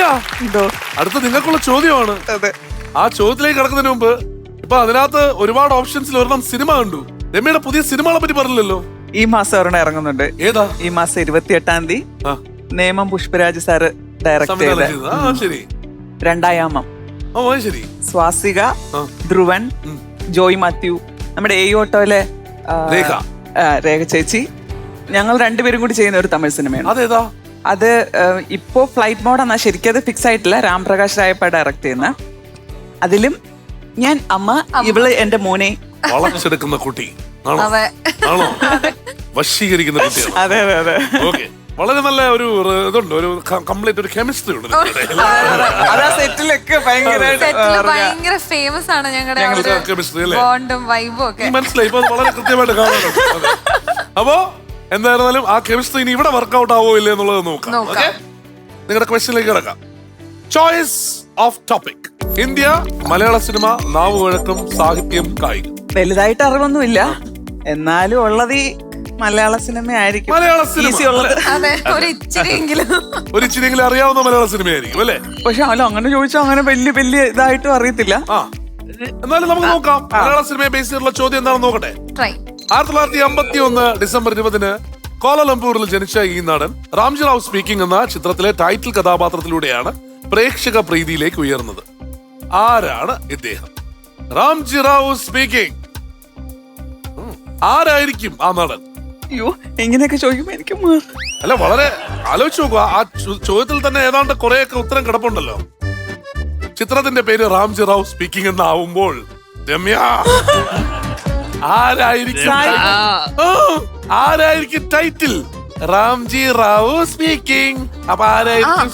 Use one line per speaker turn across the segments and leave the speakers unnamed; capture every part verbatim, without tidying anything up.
എന്തോ
അടുത്ത നിങ്ങൾക്കുള്ള ചോദ്യമാണ്. ആ ചോദ്യത്തിലേക്ക് കിടക്കുന്നതിന് മുമ്പ് ഇപ്പൊ അതിനകത്ത് ഒരുപാട് ഓപ്ഷൻസിൽ ഒരെണ്ണം സിനിമ കണ്ടു. രമ്യയുടെ പുതിയ സിനിമകളെ പറ്റി പറഞ്ഞില്ലല്ലോ.
ഈ മാസം ഒരെണ്ണം ഇറങ്ങുന്നുണ്ട്.
ഏതാ?
ഈ മാസം ഇരുപത്തി എട്ടാം തീയതി നേമം പുഷ്പരാജ് സാറ് ഡയറക്ട് ചെയ്ത
ശരി
രണ്ടായാമം.
ഓ ശരി.
സ്വാസിക, ധ്രുവൻ, ജോയ് മാത്യു, നമ്മുടെ എ ഓട്ടോയിലെ
രേഖ
രേഖ ചേച്ചി, ഞങ്ങൾ രണ്ടുപേരും കൂടി ചെയ്യുന്ന ഒരു തമിഴ് സിനിമയാണ്.
അതേതാ?
അത് ഇപ്പോ ഫ്ലൈറ്റ് മോഡാണ്, ശരിക്കും അത് ഫിക്സ് ആയിട്ടില്ല. രാംപ്രകാശ് രായപ്പ ഡയറക്ട് ചെയ്യുന്ന. അതിലും ഞാൻ അമ്മ, ഇവള് എന്റെ മോനെ
വളച്ചെടുക്കുന്ന കുട്ടി ആണോ? വശീകരിക്കുന്ന കുട്ടിയാണ്.
അതെ അതെ അതെ.
ഓക്കെ, വളരെ നല്ല ഒരു ഇതുണ്ട്, ഒരു കംപ്ലീറ്റ് ഒരു കെമിസ്ട്രി ഉണ്ട്.
അതാ സെറ്റിലൊക്കെ
ഭയങ്കര ഫേമസ് ആണ് ഞങ്ങളുടെ
കെമിസ്ട്രി അല്ലേ?
ബോണ്ടും വൈബും ഒക്കെ
മനസ്സിലായി. ഇപ്പൊ വളരെ കൃത്യമായിട്ട് കാണാനുണ്ട്. അപ്പോ എന്തായിരുന്നാലും ആ കെമിസ്ട്രി ഇനി ഇവിടെ വർക്ക്ഔട്ട് ആവോ ഇല്ലേ എന്നുള്ളത് നോക്കാം. ഓക്കെ, നിങ്ങളുടെ ക്വസ്റ്റ്യനിലേക്ക് കിടക്കാം. Choice of topic: India, Malayalam cinema, നാവുവഴക്കം, സാഹിത്യം, കായികം.
വലുതായിട്ട് അറിവൊന്നുമില്ല, എന്നാലും ഉള്ളത് ഈ മലയാള സിനിമ ആയിരിക്കും.
മലയാള സിനിമ
ഒരു ഇച്ചിരിയെങ്കിലും
ഒരു ഇച്ചിരിയെങ്കിലും അറിയാവുന്ന മലയാള സിനിമയായിരിക്കും അല്ലേ?
പക്ഷെ അല്ല, അങ്ങനെ ചോദിച്ചാൽ അങ്ങനെ വലിയ വലിയ ഇതായിട്ടും അറിയത്തില്ല.
ആ, എന്നാലും നമുക്ക് നോക്കാം. മലയാള സിനിമയെ ബേസ് ചെയ്തിട്ടുള്ള ചോദ്യം എന്താണെന്ന് നോക്കട്ടെ. ആയിരത്തി തൊള്ളായിരത്തി അമ്പത്തി ഒന്ന് ഡിസംബർ ഇരുപതിന് കോലാലംപൂരിൽ ജനിച്ച ഈ നടൻ റാംജി റാവു സ്പീക്കിംഗ് എന്ന ചിത്രത്തിലെ ടൈറ്റിൽ കഥാപാത്രത്തിലൂടെയാണ് പ്രേക്ഷക പ്രീതിയിലേക്ക് ഉയർന്നത്. ആരാണ് ഇദ്ദേഹം? റാംജി റാവു സ്പീക്കിംഗ്. ആരായിരിക്കും ആ നടൻ?
അയ്യോ, എങ്ങനെയൊക്കെ ചോദിക്കുമ്പോ എനിക്ക്
അല്ല, വളരെ ആലോചിച്ച് നോക്കുക. ആ ചോദ്യത്തിൽ തന്നെ ഏതാണ്ട് കുറെയൊക്കെ ഉത്തരം കിടപ്പുണ്ടല്ലോ. ചിത്രത്തിന്റെ പേര് റാംജി റാവു സ്പീക്കിംഗ് എന്നാവുമ്പോൾ രമ്യ ആരായിരിക്കും ആരായിരിക്കും ടൈറ്റിൽ? റാംജി റാവു സ്പീക്കിംഗ്. അപ്പൊ ആരായിരിക്കും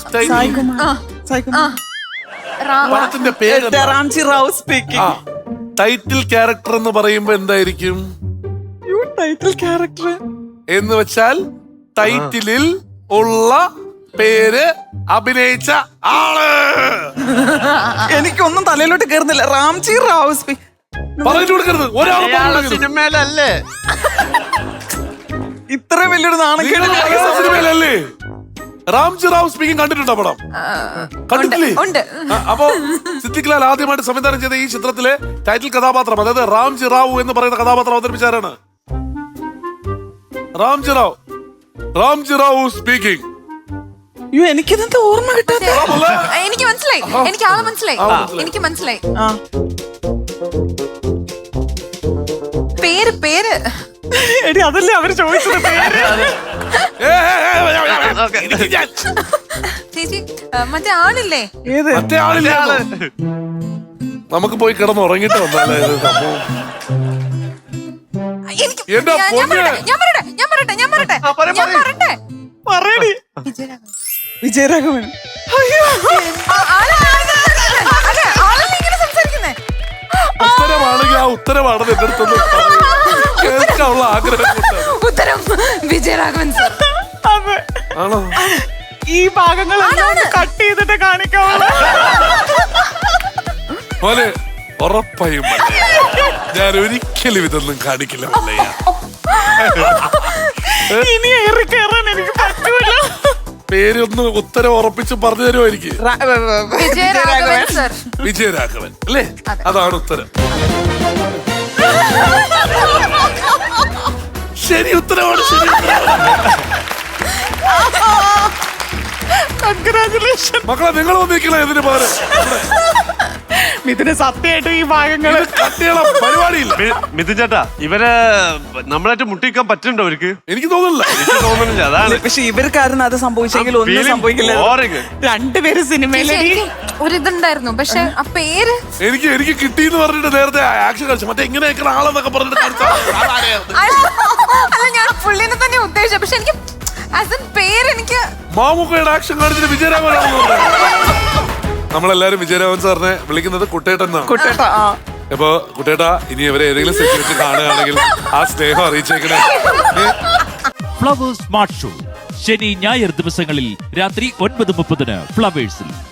പടത്തിന്റെ പേര്?
Ramji Rao speaking.
Title character എന്ന് പറയുമ്പോ എന്തായിരിക്കും?
ടൈറ്റിൽ ക്യാരക്ടർ
എന്ന് വെച്ചാൽ ടൈറ്റിലിൽ ഉള്ള പേര് അഭിനയിച്ച ആള്.
എനിക്കൊന്നും തലയിലോട്ട് കേറുന്നില്ല. റാംജി റാവു സ്പീക്കിംഗ്
പറഞ്ഞു കൊടുക്കരുത്. ഒരാൾ
സിനിമയിലല്ലേ?
ഇത്ര വലിയൊരു നാണക്കേട്
സിനിമയിലല്ലേ? റാംജി റാവു സ്പീക്കിംഗ് കണ്ടിട്ടുണ്ടോ പടം? കണ്ടിട്ടില്ലേ? അപ്പോ സിദ്ദിഖ് ലാൽ ആദ്യമായിട്ട് സംവിധാനം ചെയ്ത ഈ ചിത്രത്തിലെ ടൈറ്റിൽ കഥാപാത്രം, അതായത് റാംജി റാവു എന്ന് പറയുന്ന കഥാപാത്രം അവതരിപ്പിച്ചാരാണ്? റാംജി റാവു. റാംജി റാവു സ്പീക്കിംഗ്.
അയ്യോ, എനിക്കിതെന്താ ഓർമ്മ കിട്ടാത്ത?
എനിക്ക് മനസ്സിലായി, എനിക്ക് ആളെ മനസ്സിലായി, എനിക്ക് മനസ്സിലായി. പേര് പേര്
എടി, അതല്ലേ അവര് ചോദിച്ചത് പേര്.
ചേച്ചി, മറ്റേ ആളില്ലേ?
ഏത്
മറ്റേ ആളില്ലേ? നമുക്ക് പോയി കിടന്ന് ഉറങ്ങിട്ട് വന്നല്ലേ ഇത് സംഭവം.
ഞാൻ പറയട്ടെ ഞാൻ പറയട്ടെ ഞാൻ പറയട്ടെ ഞാൻ പറയട്ടെ
പറയടി. വിജയരാഘവൻ.
ഉത്തരമാണെങ്കിൽ ആ ഉത്തരമാണെന്ന് എന്റെ അടുത്തൊന്നും കേൾക്കാനുള്ള ആഗ്രഹം.
ഉത്തരം വിജയരാഘവൻ സർ.
ആണോ?
ഈ ഭാഗങ്ങൾ കട്ട് ചെയ്തിട്ട് കാണിക്കാവുള്ളൂ.
പോലെ ഉറപ്പായും ഞാൻ ഒരിക്കലും ഇതൊന്നും കാണിക്കില്ല.
ഇനി ഏറി കയറാൻ എനിക്ക് പറ്റൂല.
പേരൊന്ന് ഉത്തരം ഉറപ്പിച്ച് പറഞ്ഞു തരുമോ എനിക്ക്?
വിജയരാഘവൻ സർ.
വിജയരാഘവൻ അല്ലേ? അതാണ് ഉത്തരം. ശരി ഉത്തരമാണ്. ശരി
കൺഗ്രാജുലേഷൻ
മക്കളെ, നിങ്ങൾ വന്നിരിക്കണ ഇതിന് പകരം
മിഥുന് സത്യമായിട്ടും ഈ ഭാഗങ്ങള്
കട്ടിയുള്ള പരിപാടിയില്ല.
മിഥുൻ ചേട്ടാ, ഇവരെ നമ്മളായിട്ട് മുട്ടിക്കാൻ പറ്റുന്നുണ്ടോ അവർക്ക്?
എനിക്ക് തോന്നുന്നില്ല.
എനിക്ക് തോന്നുന്നില്ല. അതാണ്.
പക്ഷെ ഇവർക്കായിരുന്നു അത് സംഭവിച്ചെങ്കിൽ ഒന്നും സംഭവിക്കില്ല. രണ്ടുപേര് സിനിമയിലെ
ഒരിതുണ്ടായിരുന്നു, പക്ഷെ ആ പേര്
എനിക്ക് എനിക്ക് കിട്ടിയെന്ന് പറഞ്ഞിട്ട് നേരത്തെ ആക്ഷൻ കളിച്ചു. മറ്റേ ഇങ്ങനെ ആളെന്നൊക്കെ പറഞ്ഞിട്ട്
അല്ല, ഞാൻ പുള്ളിനെ തന്നെ ഉദ്ദേശിച്ചു. പക്ഷെ എനിക്ക് പേര് എനിക്ക്
മാമുക്കയുടെ ആക്ഷൻ കാണിച്ചിട്ട് വിജയരാഘവൻ. നമ്മളെല്ലാരും വിജയരാഘവൻ സാറിനെ വിളിക്കുന്നത് കുട്ടേട്ടൻ എന്നാണ്.
കുട്ടേട്ട.
അപ്പൊ കുട്ടേട്ടാ, ഇനി ഇവരെ ഏതെങ്കിലും സെറ്റ് വെച്ച് കാണുകയാണെങ്കിൽ ആ സ്നേഹം അറിയിച്ചേക്കണേ.
ഫ്ലവേഴ്സ് സ്മാർട്ട് ഷോ ശനി ഞായർ ദിവസങ്ങളിൽ രാത്രി ഒൻപത് മുപ്പതിന് ഫ്ലവേഴ്സിൽ.